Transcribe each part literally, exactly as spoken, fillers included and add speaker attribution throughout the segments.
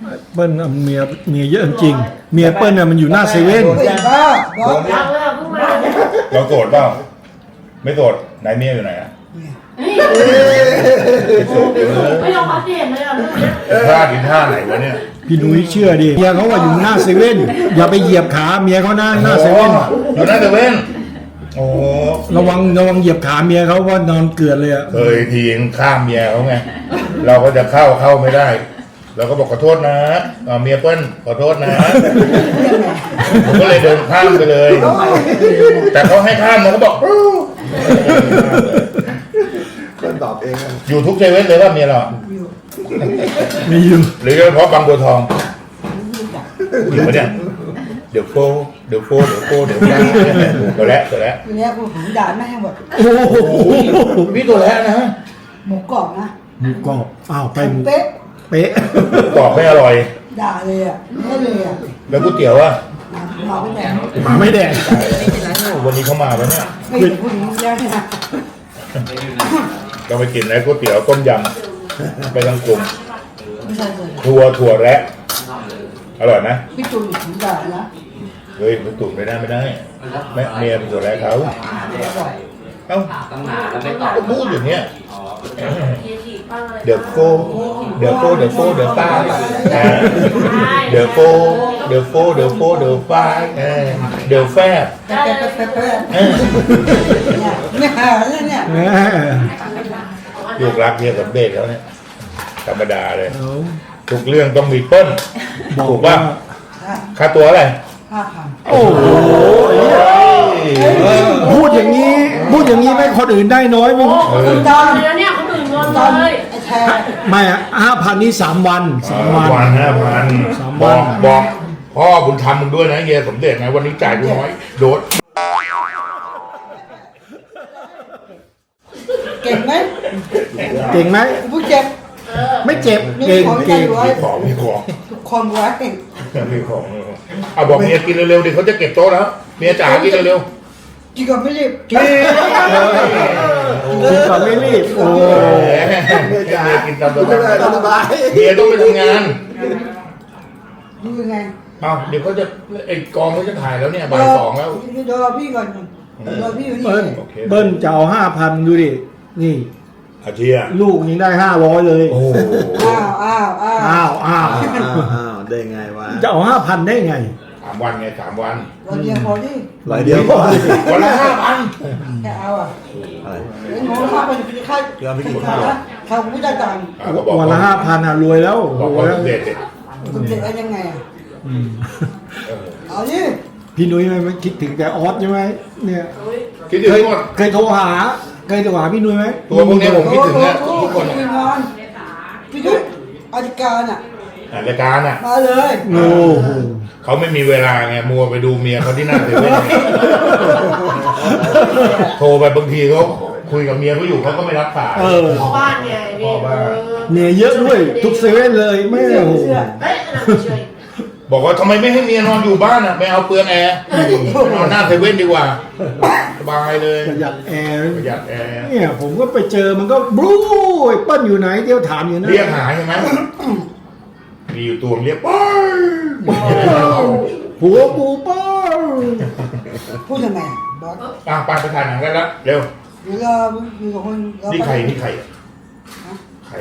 Speaker 1: เปิ้ลเมียเมียเยอะจริงเมียเปิ้ลน่ะมันอยู่หน้าเซเว่น
Speaker 2: อย่าบ้าบอก
Speaker 3: ยังแล้วเพิ่งมาเนี่ย
Speaker 4: เราโกรธเปล่าไม่โกรธไหนเมียอยู่ไหนอ่ะ
Speaker 3: นี่ไม่ยอมพัดเห็นเลยอ่ะเรื่องเนี้ย
Speaker 4: ท่ากินท่าไหนวะเนี่ย
Speaker 1: พี่นุ้ยเชื่อดิเมียเขาว่าอยู่หน้าเซเว่นอย่าไปเหยียบขาเมียเขาหน้าหน้าเซเว่น
Speaker 4: อยู่หน้าเซเว่นโอ้
Speaker 1: ระวังระวังเหยียบขาเมียเขาว่านอนเกลือนเลยอะ
Speaker 4: เคยทีงข้ามเมียเขาไงเราก็จะเข้าเข้าไม่ได้เราก็บอกขอโทษนะอ่าเมียเปิ้ลขอโทษนะผมก็เลยเดินข้ามไปเลย แต่เขาให้ข้ามนะเขาบอก
Speaker 5: เปิ้ลตอบเองอะ
Speaker 4: อยู่ทุกเซเว่นเลยว่าเมียเรา
Speaker 1: ไม่อยู่
Speaker 4: หรือเฉพาะบางบัวทองอยู่ปะเนี่ยเดี๋ยวโฟเดี๋ยวโฟเดี๋ยวโฟเดี๋ยวโฟตัวแล้วตัวแล้ว
Speaker 2: ทีนี้กูผมด่าแม่งแบบ
Speaker 1: โอ้โห
Speaker 4: พี่ตัวแล้วนะ
Speaker 2: หมูกรอบนะ
Speaker 1: หมูกรอบอ้าวไปหมู
Speaker 2: เป๊ะ
Speaker 1: เป๊ะ
Speaker 4: กรอบไม่อร่อย
Speaker 2: ด่าเลยอ่ะไม่เลยอ่ะ
Speaker 4: แล้วก๋วยเตี๋ยวอ่ะ
Speaker 2: หมาไม่แดง
Speaker 1: หมาไม่แดง
Speaker 4: วันนี้เขามาแล้วเนี่ย
Speaker 2: ไม่เห็นผู้หญิงแล้วเนี่ย
Speaker 4: เราไปกินแล้วก๋วยเตี๋ยวต้มยำไปทั้งกลุ่ม
Speaker 2: ไม่ใช่เลย
Speaker 4: ถั่วถั่วแระอร่อยไหม
Speaker 2: พี่จูนผมด่านะ
Speaker 4: เฮ้ยมันตุ๋นไม่ได้ไม่ได้แม่เมียเป็นถั่วแระเขาเอ้า
Speaker 6: ตั้งนานแล้วไม่ตอบ
Speaker 4: ก็พูดอย่างเนี้ย
Speaker 3: เฮียฉีดป้าเลย
Speaker 4: เดี๋ยวโฟเดี๋ยวโฟเดี๋ยวโฟเดี๋ยวฟ้าเดี๋ยวโฟเดี๋ยวโฟเดี๋ยวโฟเดี๋ยวฟ้าเดี๋ยวแฟบ
Speaker 2: แป๊ะแป๊ะแป๊ะแป๊ะเนี่ยเนี่ยหาแล้วเนี่ย
Speaker 1: แหม
Speaker 4: ลูกรักเมียสำเร็จแล้วเนี่ยธรรมดาเลย
Speaker 1: เอา
Speaker 4: ทุกเรื่องต้องมีเปิ้ล
Speaker 1: บอก
Speaker 4: ถูก
Speaker 1: ว่า
Speaker 4: ป่ะค่าตัวอะไร
Speaker 2: ห้าพัน
Speaker 1: โอ้โหพูดอย่างนี้พูดอย่างนี้ไม่คนอื่นได้น้อยมั้ง
Speaker 4: เออ
Speaker 2: คุณตอน
Speaker 3: แล้วเนี่ยคนอื่นงอน
Speaker 2: ตอน
Speaker 3: เลย
Speaker 2: ไอ้แทน
Speaker 1: ไม่อะห้าพันนี่สามวันสามวัน
Speaker 4: วันห้าพัน
Speaker 1: สาม
Speaker 4: บ
Speaker 1: วั
Speaker 4: อน กบอกพ่อบุญธรรมมึงด้วยนะเฮียสมเด็จนะวันนี้จ่ายกูน้อยโดด
Speaker 2: เก่งไหม
Speaker 1: เก่งไหม
Speaker 2: ผู้เจ็บ
Speaker 1: ไม่เจ็บเก่งเก่ง
Speaker 4: มีของมีของ
Speaker 2: ทุกคนไว้
Speaker 4: มีของเอาบอกเมียกินเร็วๆดิเขาจะเก็บโต๊ะแล้วเมียจ๋ากินเร็ว
Speaker 2: กินก่อนไม่รีบ
Speaker 4: ๆกิน
Speaker 1: กินก่อนไม่รีบโอ้
Speaker 4: เมียจ๋ากินตามส
Speaker 5: ไม่เป็นไร
Speaker 4: บาย
Speaker 5: สบาย
Speaker 4: เมียต้องไปทำงาน
Speaker 2: ดูยังไง
Speaker 4: เอาเดี๋ยวเขาจะไอ้กองเขาจะถ่ายแล้วเนี่ยบ่ายสองแล้ว
Speaker 2: รอพี่ก่อนรอพี่อยู่นี่
Speaker 1: เบิ้ลเบิ้ลจะเอาห้าพันดูดินี่
Speaker 4: อาเทีย
Speaker 1: ลูกยังได้ห้าร้อยเลย
Speaker 4: โอ้โห
Speaker 2: อ้าวอ้าวอ้าว
Speaker 1: อ้าวอ้าว
Speaker 5: อ้าวอ้าวได้ไงวะ
Speaker 1: จะเอาห้าพันได้ไง
Speaker 4: สามวันไงสามวัน
Speaker 2: วันเดียวพอดิ
Speaker 5: ร้อยเดียวก่อน
Speaker 4: วันละห้าพัน
Speaker 2: แค่เอาอ่ะ
Speaker 5: อะไร
Speaker 2: เอ้ยหนูข้าวไปกินข้าว
Speaker 5: ยอมไปกินข้าว
Speaker 2: ข้าวผู้จัดการ
Speaker 4: อ่ะก็บอก
Speaker 1: วันละห้าพันอ่ะรวยแล้ว
Speaker 4: บอก
Speaker 1: รว
Speaker 4: ว่าย
Speaker 1: แล้ว
Speaker 4: เด็ดเด็ด
Speaker 2: คุณเด็กเอายังไงอ่ะ
Speaker 1: อืม
Speaker 4: เออ
Speaker 2: เอาดิ
Speaker 1: พี่นุ้ยไม่คิดถึงแต่ออสใช่ไหมเนี่ย
Speaker 4: คิดถึง
Speaker 1: เคย
Speaker 4: หมด
Speaker 1: เคยโทรหาเคยโทรหาพี่นุ้ยไหม
Speaker 4: ตัวพวกเนี้ยผม คิดถึงนะ
Speaker 2: โอ้โห
Speaker 4: ทุกคน
Speaker 2: พี่นอนพี่ยุทธอธิการอ่ะ
Speaker 4: อ่ะรายการอ่ะ
Speaker 2: มาเลย
Speaker 1: โอ้โห
Speaker 4: เขาไม่มีเวลาไงมัวไปดูเมียเขาที่หน้าเซเว่นโทรไปบางทีเขาคุยกับเมียเขาอยู่เขาก็ไม่รับสาย
Speaker 1: เออ
Speaker 3: พ่อบ้านไงนี่
Speaker 4: พ่อบ้าน
Speaker 1: เนี่ยเยอะด้วยทุกเซเว่นเลยไม่โอ้โห
Speaker 3: เฮ้ยอันนั้นไม่ช่วย
Speaker 4: บอกว่าทำไมไม่ให้เมียนอนอยู่บ้านอ่ะไม่เอาเปลืองแอร์นอนหน้าเซเว่นดีกว่าสบายเลย
Speaker 1: ประหยัดแอร์
Speaker 4: ประหยัดแอร์
Speaker 1: เนี่ยผมก็ไปเจอมันก็บลูไอ้เปิ้ลอยู่ไหนเดี๋ยวถามอยู่นะ
Speaker 4: เรียกหาใช่ไหมมีอยู่ตัวเรียกป้า
Speaker 1: ผัวกูเปิ้ล
Speaker 2: พูดยังไงบอส
Speaker 4: อ่ะไปไปถ่ายหนังกันแล้วเร็ว
Speaker 2: เดี๋ยวเราอยู่กับคนเรา
Speaker 4: นี่
Speaker 2: ไป
Speaker 4: ใครนี่ใครใคร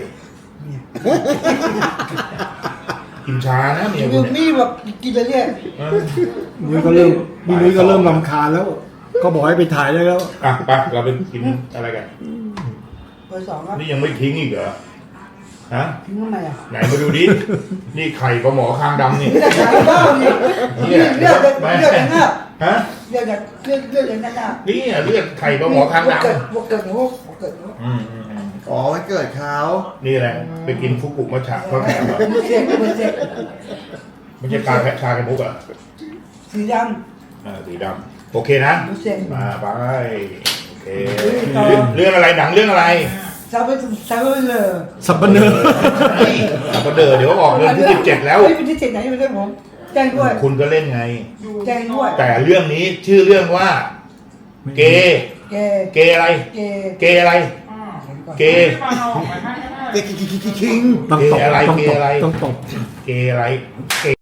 Speaker 4: กินช้านะเมีย
Speaker 2: อ
Speaker 4: คุ
Speaker 2: ยู่
Speaker 4: ณเนี่ย
Speaker 2: นี่แบบกินไปเรื่อย
Speaker 4: เออ
Speaker 1: นุ้ยก็เริ่มพี่นุ้ยก็เริ่มรำคาญแล้ว ก็บอกให้ไปถ่ายได้แล้ว
Speaker 4: อ่ะไปเราไปกินอะไรกัน
Speaker 2: เบอร์สองครับ
Speaker 4: นี่ยังไม่ทิ้งอีกเหรอฮะ
Speaker 2: ทิ้งทำไมอ่ะ
Speaker 4: ไหนมาดูดินี่ไข่ปลาหมอคางดำนี่
Speaker 2: เลือดจากบ้านี่เลือดเลือดเลือดอย่างนั้น
Speaker 4: ฮะ
Speaker 2: เลือดจากเลือดเลือดอย่างนั้นอ่ะ
Speaker 4: นี่อ่ะเลือดไข่ปลาหมอคางด
Speaker 2: เกิดเกิดหัวเกิดหัว
Speaker 4: ำอืมอืมอืม
Speaker 5: อ๋อวันเกิดเขา
Speaker 4: นี่แหละไปกินฟุกุมัชชะเขาแถมเหรอ
Speaker 2: เบอร์เจ็ดเบอร์เจ็ด
Speaker 4: ไม่ใช่ชาแค่ชาแค่มุกเหรอ่ะ
Speaker 2: สีด
Speaker 4: อ่าสีดำโอเคนะ
Speaker 2: ำเบอร์เจ็ด
Speaker 4: มาไปโอเคเรื่องอะไรหนังเรื่องอะไร
Speaker 2: ซาเบซาเบเลย
Speaker 1: สับปะเนอ
Speaker 4: สับปะเดอเดี๋ยวออกเดือนที่สิบเจ็ดแล้ว
Speaker 2: เฮ้ยเป็นที่เจ็ดไหนไม่ได้ผมแจ้งด้วย
Speaker 4: คุณก็เล่นไง
Speaker 2: แจ้งด้วย
Speaker 4: แต่เรื่องนี้ชื่อเรื่องว่า เกย์
Speaker 2: เก
Speaker 4: เกย์อะไร
Speaker 2: เก
Speaker 4: เกย์อะไร เกย์
Speaker 2: เ
Speaker 5: เก๊กคิง
Speaker 1: ต้องตบ
Speaker 4: เกอะไร
Speaker 1: ต้อง
Speaker 4: เก
Speaker 1: ตบ
Speaker 4: อะไร
Speaker 1: ต้องตบ
Speaker 4: เกอะไรเก